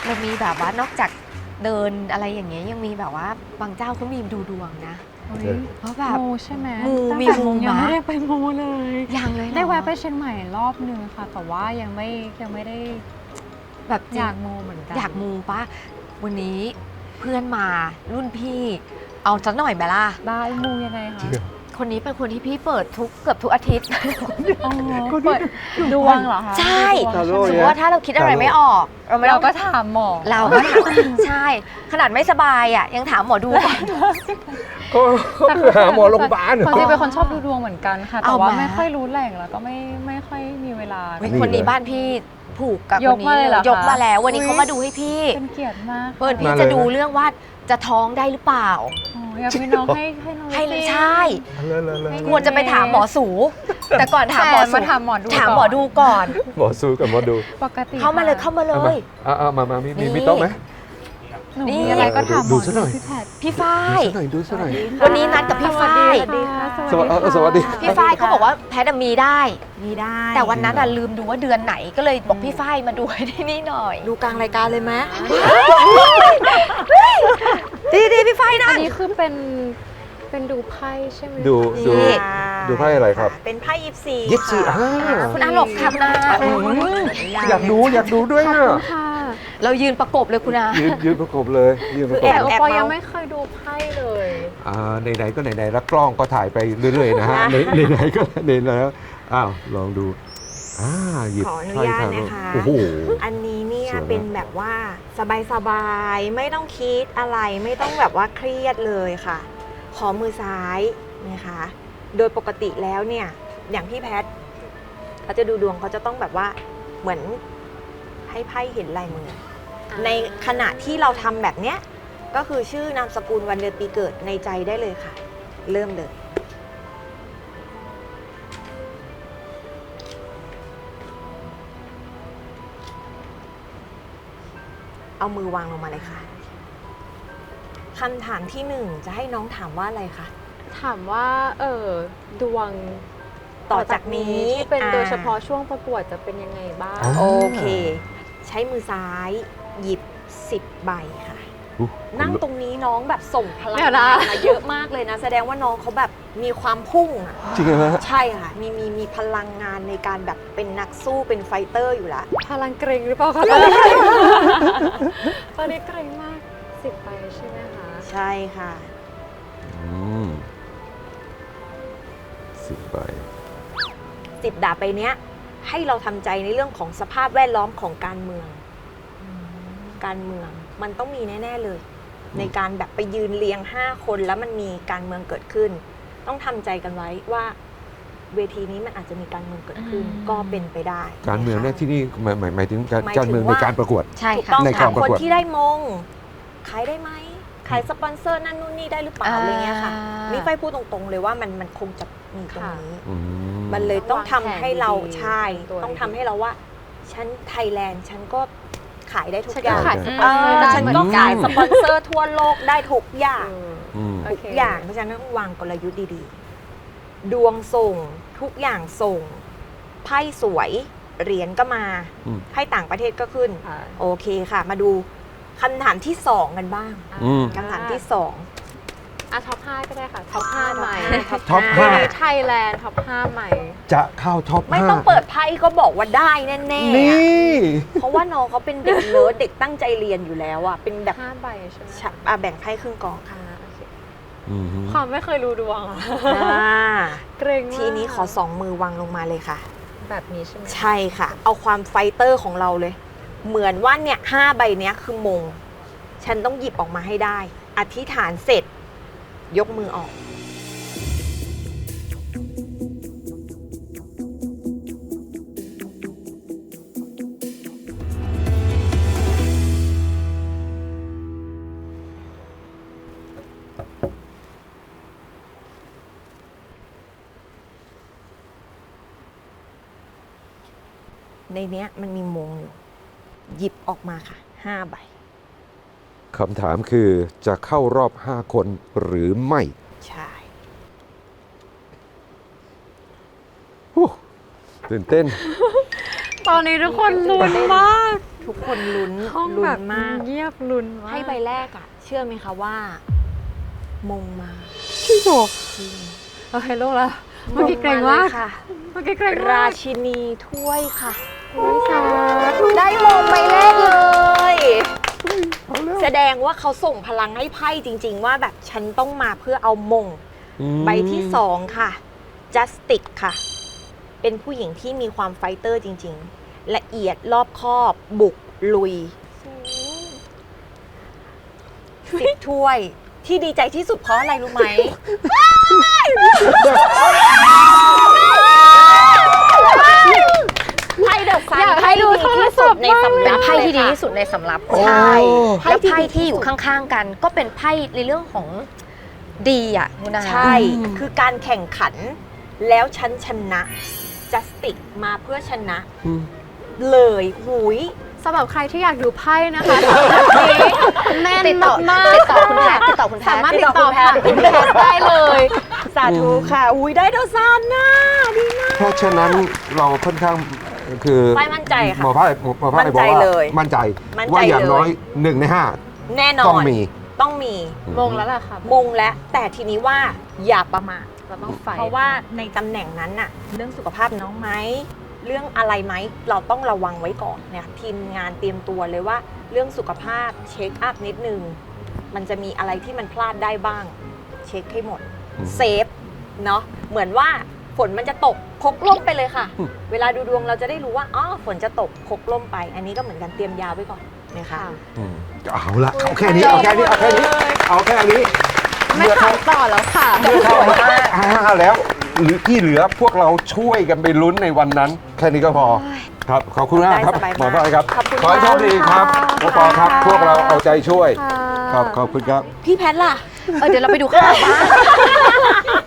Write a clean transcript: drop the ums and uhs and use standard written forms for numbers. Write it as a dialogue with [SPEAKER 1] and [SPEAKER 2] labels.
[SPEAKER 1] เรามีแบบว่านอกจากเดินอะไรอย่างเงี้ยยังมีแบบว่าบางเจ้าเขามีดูดวงนะเพราะแบบ
[SPEAKER 2] มูใช่ไหม
[SPEAKER 1] มีมู
[SPEAKER 2] ยัง
[SPEAKER 1] มา
[SPEAKER 2] ไม่ได้ไปมูเลย
[SPEAKER 1] ยังเลยเหรอ
[SPEAKER 2] ได้แวะไปเชียงใหม่รอบนึงค่ะ แต่ว่ายังไม่ได้
[SPEAKER 1] แบบจริง
[SPEAKER 2] อยากมูเหมือนกัน
[SPEAKER 1] อยากมูปะวันนี้เพื่อนมารุ่นพี่ เอาสักหน่อยไหมล่ะ
[SPEAKER 2] ได้มูยังไงคะ
[SPEAKER 1] คนนี้เป็นคนที่พี่เปิดเกือบทุกอาทิตย์
[SPEAKER 2] อ๋อเปิดดวงเหรอคะ
[SPEAKER 1] ใช่
[SPEAKER 2] ดูดวง
[SPEAKER 1] สมมติว่าถ้าเราคิดอะไรไม่ออกเราไม่
[SPEAKER 2] เรา
[SPEAKER 1] ต้อง
[SPEAKER 2] ก็ถามหมอ
[SPEAKER 1] เราก็ถามใช่ ขนาดไม่สบายอ่ะยังถามหมอดูก่อน
[SPEAKER 3] ก็คือหาหมอโรงพยาบาล
[SPEAKER 2] ความจริงเป็นคนชอบดูดวงเหมือนกันค่ะ แต่
[SPEAKER 1] เอา
[SPEAKER 2] ว่า
[SPEAKER 1] มา
[SPEAKER 2] ไม่ค่อยรู้แหล่งแล้วก็ไม่ค่อยมีเวลา
[SPEAKER 1] เฮ้ยคนนี้บ้านพี่ผูกกับ
[SPEAKER 2] ย
[SPEAKER 1] ค
[SPEAKER 2] ก
[SPEAKER 1] น
[SPEAKER 2] มา
[SPEAKER 1] นี้
[SPEAKER 2] เลยเหรอคะ
[SPEAKER 1] ยกมาแล้ว วันนี้
[SPEAKER 2] อุ๊ย
[SPEAKER 1] เขามาดูให้พี่
[SPEAKER 2] เป็นเกียรติมาก
[SPEAKER 1] เปิดพี่
[SPEAKER 3] มาเลย
[SPEAKER 1] จะดู
[SPEAKER 3] นะ
[SPEAKER 1] เรื่องว่าจะท้องได้หรือเปล่า
[SPEAKER 2] โอ้อยากมีน้องให้น้อง
[SPEAKER 1] ให้เลย
[SPEAKER 2] สิ
[SPEAKER 1] ใช่
[SPEAKER 3] เลย
[SPEAKER 1] ควรจะไปถามหมอสู แต่ก่อนถามหมอ
[SPEAKER 2] แต่
[SPEAKER 1] สู
[SPEAKER 2] มาถามหมอดู
[SPEAKER 1] ถามหมอดูก่อน
[SPEAKER 3] หมอสู้กับหมอดู
[SPEAKER 2] ปกติ
[SPEAKER 1] เข้ามาเลยเข้ามาเลย
[SPEAKER 3] เอามามี
[SPEAKER 1] นี่
[SPEAKER 3] มีโต๊ะไหม
[SPEAKER 2] หนู
[SPEAKER 1] นี่
[SPEAKER 2] มีอะไรก็ถามหม
[SPEAKER 3] ดู
[SPEAKER 2] อ
[SPEAKER 3] ซะหน่อย
[SPEAKER 2] พี่แพทย์
[SPEAKER 1] พี่ฝ้าย
[SPEAKER 3] ดูซะหน่อย
[SPEAKER 1] วันนี้นัดกับพี่ฝ้าย
[SPEAKER 2] สวัสดีค่ะ
[SPEAKER 3] สวัสดี
[SPEAKER 1] พี่ฝ้ายเขาบอกว่าแพทย์มีได้
[SPEAKER 4] มีได้
[SPEAKER 1] แต่วันนั้นลืมดูว่าเดือนไหนก็เลยบอกพี่ฝ้ายมาดูให้ที่นี่หน่อย
[SPEAKER 4] ดูกลางรายการเลยไหม
[SPEAKER 1] ดีพี่ฝ้ายนะ
[SPEAKER 2] อันนี้คือเป็นดูไพ่ใช่ไหม
[SPEAKER 3] ดู
[SPEAKER 1] นี่
[SPEAKER 3] ดูไพ่อะไรครับ
[SPEAKER 4] เป็นไพ่ยิปซี
[SPEAKER 3] ยิปซี
[SPEAKER 4] ค่ะ
[SPEAKER 1] คุณอาหลบค่ะคุณอา
[SPEAKER 3] อยากดูด้วยอ่ะ
[SPEAKER 2] ค่ะ
[SPEAKER 1] เรายืนประกบเลยคุณอา
[SPEAKER 3] ยืนประกบเลยยืนประก
[SPEAKER 2] แต่
[SPEAKER 3] บ
[SPEAKER 2] ปอยังไม่เคยดูไพ่เลย
[SPEAKER 3] ไหนๆก็ไหนๆแล้วกล้องก็ถ่ายไปเรื่อยๆนะฮะไหนๆก็ไหนแล้วอ้าวลองดูหยิบ
[SPEAKER 4] ขออนุ
[SPEAKER 3] ไพ่
[SPEAKER 4] ญาต
[SPEAKER 3] ทาง
[SPEAKER 4] นะคะ
[SPEAKER 3] โอ้โห
[SPEAKER 4] อันนี้เนี่ย
[SPEAKER 3] สวยมาก
[SPEAKER 4] เป็นแบบว่าสบายๆ ไม่ต้องคิดอะไร ไม่ต้องแบบว่าเครียดเลยค่ะ ขอมือซ้ายนะคะ โดยปกติแล้วเนี่ย อย่างพี่แพทย์เขาจะดูดวงเขาจะต้องแบบว่าเหมือนให้ไพ่เห็นลายมือ ในขณะที่เราทำแบบเนี้ยก็คือชื่อนามสกุลวันเดือนปีเกิดในใจได้เลยค่ะ เริ่มเลย เอามือวางลงมาเลยค่ะคำถามที่หนึ่งจะให้น้องถามว่าอะไรคะ
[SPEAKER 5] ถามว่าดวง
[SPEAKER 4] ต่อจากนี้
[SPEAKER 5] ที่เป็นโดยเฉพาะช่วงประกวดจะเป็นยังไงบ้าง
[SPEAKER 3] อ๋อ
[SPEAKER 4] โอเค ใช้มือซ้ายหยิบ 10 ใบค่ะ นั่งตรงนี้น้องแบบส่งพลัง
[SPEAKER 5] เดี๋ยวนะ
[SPEAKER 4] งานมาเยอะมากเลยนะ แสดงว่าน้องเขาแบบมีความพุ่งอะ
[SPEAKER 3] จริงเหรอฮะ
[SPEAKER 4] ใช่ค่ะ มีพลังงานในการแบบเป็นนักสู้เป็นไฟเตอร์อยู่แล้ว
[SPEAKER 5] พลังเกรงหรือเปล่าคะตอนนี้เกรงมาก10 ใบใช่ไหมคะ
[SPEAKER 4] ใช่ค่ะ
[SPEAKER 3] 10 ใบ
[SPEAKER 4] 10 ดาบไปเนี้ย ให้เราทำใจในเรื่องของสภาพแวดล้อมของการเมือง การเมืองมันต้องมีแน่ ๆเลย ในการแบบไปยืนเรียง 5 คนแล้วมันมีการเมืองเกิดขึ้น ต้องทำใจกันไว้ว่า เวทีนี้มันอาจจะมีการเมืองเกิดขึ้น ก็เป็นไปได้
[SPEAKER 3] การเมืองเนี่ยที่นี่หมายถึงการ
[SPEAKER 4] หมายถึง
[SPEAKER 3] การเมืองใน
[SPEAKER 4] ว่า
[SPEAKER 3] การประกวด
[SPEAKER 1] ใช่
[SPEAKER 4] ถูก
[SPEAKER 1] ค่ะ
[SPEAKER 4] ต้อง
[SPEAKER 3] ใน
[SPEAKER 4] ค่ะ
[SPEAKER 3] การประ
[SPEAKER 4] คน
[SPEAKER 3] กวด
[SPEAKER 4] ที่ได้มงขายได้ไหมขายสปอนเซอร์นั่นนู่นนี่ได้หรือเปล่าอะไรเงี้ยค่ะ นี่ไฟพูดตรงๆเลยว่ามันคงจะมีตรงนี้ มันเลยต้องทำให้เราใช่ต้องทำให้เราว่า ฉันไทยแลนด์ฉันก็ขายได้ทุกอย่าง
[SPEAKER 5] ขายสปอนเซอร์ได้
[SPEAKER 4] ฉัน
[SPEAKER 5] เหมือน
[SPEAKER 4] ก็
[SPEAKER 5] กั
[SPEAKER 4] ขาย
[SPEAKER 5] น
[SPEAKER 4] สปอนเซอร์ทั่วโลกได้ทุกอย่าง
[SPEAKER 5] โอ
[SPEAKER 4] ทุก
[SPEAKER 5] เค
[SPEAKER 4] อย่างเพราะฉะนั้นต้องวางกลยุทธ์ดีๆ ดวงส่งทุกอย่างส่งไพ่สวยเหรียญก็มา
[SPEAKER 3] อืม
[SPEAKER 4] ไพ่ต่างประเทศก็ขึ้น
[SPEAKER 5] ค่ะ
[SPEAKER 4] โอเคค่ะ มาดูคำถามที่ 2 กันบ้าง
[SPEAKER 3] อืม
[SPEAKER 4] คำถามที่
[SPEAKER 5] ท็อป 5 ก็ได้ค่ะ ท็อป 5 ใหม่
[SPEAKER 3] ท็อป
[SPEAKER 5] วัน
[SPEAKER 3] 5
[SPEAKER 5] นี้ไทยแลนด์ท็อป 5 ใหม่
[SPEAKER 3] จะเข้าท็อป
[SPEAKER 4] 2 ไม่ต้องเปิดไพ่ก็บอกว่าได้แน่ๆ
[SPEAKER 3] นี่
[SPEAKER 4] อะเพราะว่าน้องเขาเป็นเด็กเลิศเด็กตั้งใจเรียนอยู่แล้วอ่ะเป็นแบบ
[SPEAKER 5] 5 ใบใช่ไหม
[SPEAKER 4] แบ่งไพ่ครึ่งกองค่ะ
[SPEAKER 5] โอเค
[SPEAKER 3] อืม
[SPEAKER 5] ความไม่เคยรู้ดวงอะ เกรงมาก
[SPEAKER 4] ทีนี้ขอ 2 มือวางลงมาเลยค่ะ
[SPEAKER 5] แบบนี้ใช่ไหม
[SPEAKER 4] ใช่ค่ะ เอาความไฟเตอร์ของเราเลย เหมือนว่าเนี่ย5 ใบเนี้ยคือมง ฉันต้องหยิบออกมาให้ได้ อธิษฐานเสร็จ ยกมือออก ในเนี้ยมันมีมงอยู่ หยิบออกมาค่ะ 5 ใบ
[SPEAKER 3] คำถามคือจะเข้ารอบ 5 คนหรือไม่
[SPEAKER 4] ใช่
[SPEAKER 3] ฮู้ตื่นเต้น
[SPEAKER 2] ตอนนี้ทุกคนลุ้นมาก
[SPEAKER 4] ทุกคนลุ้น
[SPEAKER 2] ห้อง
[SPEAKER 4] ลุ้
[SPEAKER 2] แบ
[SPEAKER 4] น
[SPEAKER 2] บ
[SPEAKER 4] มาก
[SPEAKER 2] เงียบลุ้นมาก
[SPEAKER 4] ให้ใบแรกอะเชื่อไหมคะว่า มงมา
[SPEAKER 2] พี่โบ
[SPEAKER 4] จริง
[SPEAKER 2] โอเคลูกแล้วเมื่อกี้เกรงมาก
[SPEAKER 4] ลยค่ะ
[SPEAKER 2] เมื่อกี้เกรง
[SPEAKER 4] รา
[SPEAKER 2] มาก
[SPEAKER 4] ชินีถ้วยค่ะ
[SPEAKER 2] ไม่สา
[SPEAKER 4] ได้มงใบแรกเลย แสดงว่าเขาส่งพลังให้ไพ่จริง ๆ ว่าแบบฉันต้องมาเพื่อเอามง ใบที่สองค่ะ Justice ค่ะ เป็นผู้หญิงที่มีความไฟเตอร์จริง ๆ ละเอียดรอบคอบ บุก ลุย10 ถ้วย ที่ดีใจที่สุดเพราะอะไรรู้ไหม ไพ่เดอะซันไพ่ดีที่สุดในสำ
[SPEAKER 1] เป็
[SPEAKER 4] รั
[SPEAKER 1] น
[SPEAKER 4] บ
[SPEAKER 1] ไพ่ที่ดี
[SPEAKER 4] เลยค่ะ
[SPEAKER 1] ที่สุดในสำรับ
[SPEAKER 3] โอ้
[SPEAKER 4] ใช่
[SPEAKER 1] แล้วไพ่ที่อยู่ข้างๆกัน ก็เป็นไพ่ในเรื่องของดีอ่ะคุณอา
[SPEAKER 4] ใช่ คือการแข่งขัน แล้วฉันชนะ Justice มาเพื่อชนะ
[SPEAKER 3] อืม
[SPEAKER 4] เลยหุย
[SPEAKER 2] สำหรับใครที่อยากดูไพ่นะคะสำหรับนี้แน่น
[SPEAKER 1] ติดต่อ
[SPEAKER 2] มาก
[SPEAKER 1] ติดต่อคุณแพทย์ติดต่อคุณแพท
[SPEAKER 2] สามารถ
[SPEAKER 1] ย์
[SPEAKER 2] ติดต่อผ่านคุณแพทย์ได้เลย
[SPEAKER 4] สาธุค่ะ อุ้ยได้เดอะซันนะดีนะ
[SPEAKER 3] เพราะฉะนั้นเราค่อนข้างคือ
[SPEAKER 4] ไพ่มั่นใจค่ะ
[SPEAKER 3] หมอไพ่บอกว่า
[SPEAKER 4] มั่นใจเลย
[SPEAKER 3] มั่นใจ
[SPEAKER 4] มั่นใจ
[SPEAKER 3] ว่าอย่าง
[SPEAKER 4] เลย
[SPEAKER 3] น้อย1 ใน
[SPEAKER 4] แน่น
[SPEAKER 3] 5
[SPEAKER 4] อน
[SPEAKER 3] ต้องมี
[SPEAKER 4] ต้องมี
[SPEAKER 2] มงแล้วล่ะค่ะ
[SPEAKER 4] มงและแต่ทีนี้ว่าอย่าประมาท
[SPEAKER 2] เราต้องไฟ
[SPEAKER 4] เพราะว่าในตำแหน่งนั้นน่ะเรื่องสุขภาพน้องไหมเรื่องอะไรไหมเราต้องระวังไว้ก่อนเนี่ยทีมงานเตรียมตัวเลยว่าเรื่องสุขภาพเช็คอัพนิดนึงมันจะมีอะไรที่มันพลาดได้บ้าง เช็คให้หมด
[SPEAKER 3] อืม
[SPEAKER 4] เซฟเนาะเหมือนว่าฝนมันจะตกพกร่มไปเลยค่ะ
[SPEAKER 3] อืม
[SPEAKER 4] เวลาดูดวงเราจะได้รู้ว่าอ๋อฝนจะตกพกร่มไป อันนี้ก็เหมือนกันเตรียมยาไว้ก่อนนะคะ
[SPEAKER 3] อืมเอาละเอาแค่นี้เอาแค่นี้เอาแค่นี้เอาแค่นี้
[SPEAKER 2] ไม่ถามต่อแล้วค่ะ
[SPEAKER 3] เลือกเข้าแล้วหรือที่เหลือพวกเราช่วยกันไปลุ้นในวันนั้น แค่นี้ก็พอครับขอบคุณมากครับ
[SPEAKER 4] ได้สบายมาก
[SPEAKER 3] หมอไพ่ครับ
[SPEAKER 4] ขอบคุณ
[SPEAKER 3] ขอให้โชคดีครับหมอปอครับ พวกเราเอาใจช่วย
[SPEAKER 2] ค่ะ
[SPEAKER 3] ครับขอบคุณครับ
[SPEAKER 4] พี่แพทย์ล่ะ
[SPEAKER 1] เดี๋ยวเราไปดูข้างหลังบ้าน